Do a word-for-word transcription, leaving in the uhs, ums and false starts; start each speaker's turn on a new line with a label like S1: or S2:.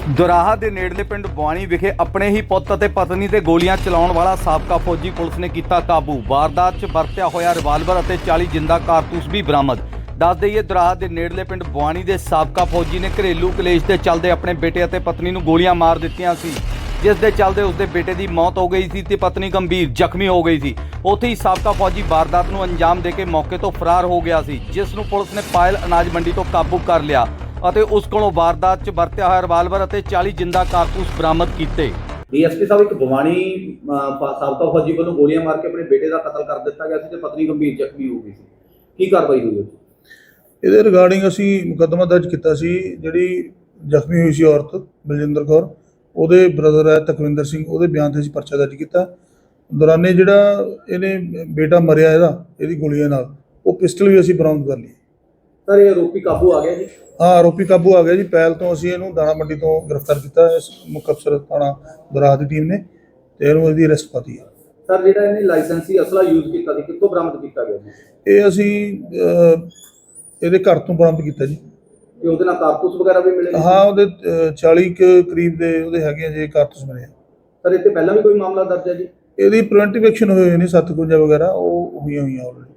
S1: ਦੁਰਾਹਾ ਦੇ ਨੇੜਲੇ ਪਿੰਡ ਬਵਾਨੀ ਵਿਖੇ ਆਪਣੇ ਹੀ ਪੁੱਤ ਅਤੇ ਪਤਨੀ ਤੇ ਗੋਲੀਆਂ ਚਲਾਉਣ ਵਾਲਾ ਸਾਬਕਾ ਫੌਜੀ ਪੁਲਿਸ ਨੇ ਕੀਤਾ ਕਾਬੂ। ਵਾਰਦਾਤ 'ਚ ਵਰਤਿਆ ਹੋਇਆ ਰਿਵਾਲਵਰ ਅਤੇ ਚਾਲੀ ਜਿੰਦਾ ਕਾਰਤੂਸ ਵੀ ਬਰਾਮਦ। ਦੱਸ ਦੇਈਏ, ਦੁਰਾਹਾ ਦੇ ਨੇੜਲੇ ਪਿੰਡ ਬਵਾਨੀ ਦੇ ਸਾਬਕਾ ਫੌਜੀ ਨੇ ਘਰੇਲੂ ਕਲੇਸ਼ ਦੇ ਚੱਲਦੇ ਆਪਣੇ ਬੇਟੇ ਅਤੇ ਪਤਨੀ ਨੂੰ ਗੋਲੀਆਂ ਮਾਰ ਦਿੱਤੀਆਂ ਸੀ, ਜਿਸ ਦੇ ਚੱਲਦੇ ਉਸਦੇ ਬੇਟੇ ਦੀ ਮੌਤ ਹੋ ਗਈ ਸੀ ਤੇ ਪਤਨੀ ਗੰਭੀਰ ਜ਼ਖਮੀ ਹੋ ਗਈ ਸੀ। ਉੱਥੇ ਹੀ ਸਾਬਕਾ ਫੌਜੀ ਵਾਰਦਾਤ ਨੂੰ ਅੰਜਾਮ ਦੇ ਕੇ ਮੌਕੇ ਤੋਂ ਫਰਾਰ ਹੋ ਗਿਆ ਸੀ, ਜਿਸ ਨੂੰ ਪੁਲਿਸ ਨੇ ਪਾਇਲ ਅਨਾਜ ਮੰਡੀ ਤੋਂ ਕਾਬੂ ਕਰ ਲਿਆ ਅਤੇ ਉਸ ਕੋਲੋਂ ਵਾਰਦਾਤ 'ਚ ਵਰਤਿਆ ਹੋਇਆ ਰਿਵਾਲਵਰ ਅਤੇ ਚਾਲੀ ਜਿੰਦਾ ਕਾਰਤੂਸ ਬਰਾਮਦ ਕੀਤੇ।
S2: ਡੀਐਸਪੀ ਸਾਹਿਬ, ਇੱਕ ਬਵਾਨੀ ਸਾਬਕਾ ਫੌਜੀ ਵੱਲੋਂ ਗੋਲੀਆਂ ਮਾਰ ਕੇ ਆਪਣੇ ਬੇਟੇ ਦਾ ਕਤਲ ਕਰ ਦਿੱਤਾ ਗਿਆ ਸੀ ਤੇ ਪਤਨੀ ਗੰਭੀਰ ਜ਼ਖਮੀ ਹੋ ਗਈ ਸੀ। ਕੀ ਕਾਰਵਾਈ ਹੋਈ?
S3: ਇਹਦੇ ਰਿਗਾਰਡਿੰਗ ਅਸੀਂ ਮੁਕੱਦਮਾ ਦਰਜ ਕੀਤਾ ਸੀ। ਜਿਹੜੀ ਜ਼ਖਮੀ ਹੋਈ ਸੀ ਔਰਤ ਬਲਜਿੰਦਰ ਕੌਰ, ਉਹਦੇ ਬ੍ਰਦਰ ਹੈ ਤਕਵਿੰਦਰ ਸਿੰਘ, ਉਹਦੇ ਬਿਆਨ 'ਤੇ ਅਸੀਂ ਪਰਚਾ ਦਰਜ ਕੀਤਾ। ਦੌਰਾਨੇ ਜਿਹੜਾ ਇਹਨੇ ਬੇਟਾ ਮਰਿਆ ਇਹਦਾ ਇਹਦੀ ਗੋਲੀਆਂ ਨਾਲ, ਉਹ ਪਿਸਟਲ ਵੀ ਅਸੀਂ ਬਰਾਮਦ ਕਰ ਲਈ।
S2: ਸਰ, ਇਹ ਆਰੋਪੀ ਕਾਬੂ ਆ ਗਿਆ ਜੀ?
S3: ਹਾਂ, ਆਰੋਪੀ ਕਾਬੂ ਆ ਗਿਆ ਜੀ। ਪਹਿਲ ਤੋਂ ਅਸੀਂ ਇਹਨੂੰ ਦਾਣਾ ਮੰਡੀ ਤੋਂ ਗ੍ਰਿਫਤਾਰ ਕੀਤਾ, ਇਸ ਮੁੱਖ ਅਫਸਰ ਥਾਣਾ ਦੁਰਾਹਾ ਦੀ ਟੀਮ ਨੇ, ਤੇ ਇਹਨੂੰ ਇਹਦੀ ਅਰੈਸਟ ਪਾਤੀ ਹੈ।
S2: ਸਰ, ਜਿਹੜਾ ਇਹਨੇ ਲਾਇਸੈਂਸੀ ਅਸਲਾ ਯੂਜ਼ ਕੀਤਾ ਸੀ, ਕਿੱਥੋਂ ਬਰਾਮਦ ਕੀਤਾ ਗਿਆ ਜੀ?
S3: ਇਹ ਅਸੀਂ ਇਹਦੇ ਘਰ ਤੋਂ ਬਰਾਮਦ ਕੀਤਾ ਜੀ।
S2: ਤੇ ਉਹਦੇ ਨਾਲ ਕਾਰਤੂਸ ਵਗੈਰਾ ਵੀ ਮਿਲੇ?
S3: ਹਾਂ, ਉਹਦੇ ਚਾਲੀ ਕੁ ਕਰੀਬ ਦੇ ਉਹਦੇ ਹੈਗੇ ਆ ਜੀ ਕਾਰਤੂਸ ਮਿਲੇ।
S2: ਸਰ, ਇੱਥੇ ਪਹਿਲਾਂ ਵੀ ਕੋਈ ਮਾਮਲਾ ਦਰਜ ਹੈ ਜੀ?
S3: ਇਹਦੀ ਪ੍ਰੀਵੈਂਟਿਵ ਐਕਸ਼ਨ ਹੋਏ ਹੋਏ ਨੇ, ਸੱਤ ਕੁੰਜਾ ਵਗੈਰਾ ਉਹ ਹੋਈਆਂ ਹੋਈਆਂ ਆਲਰੇਡੀ।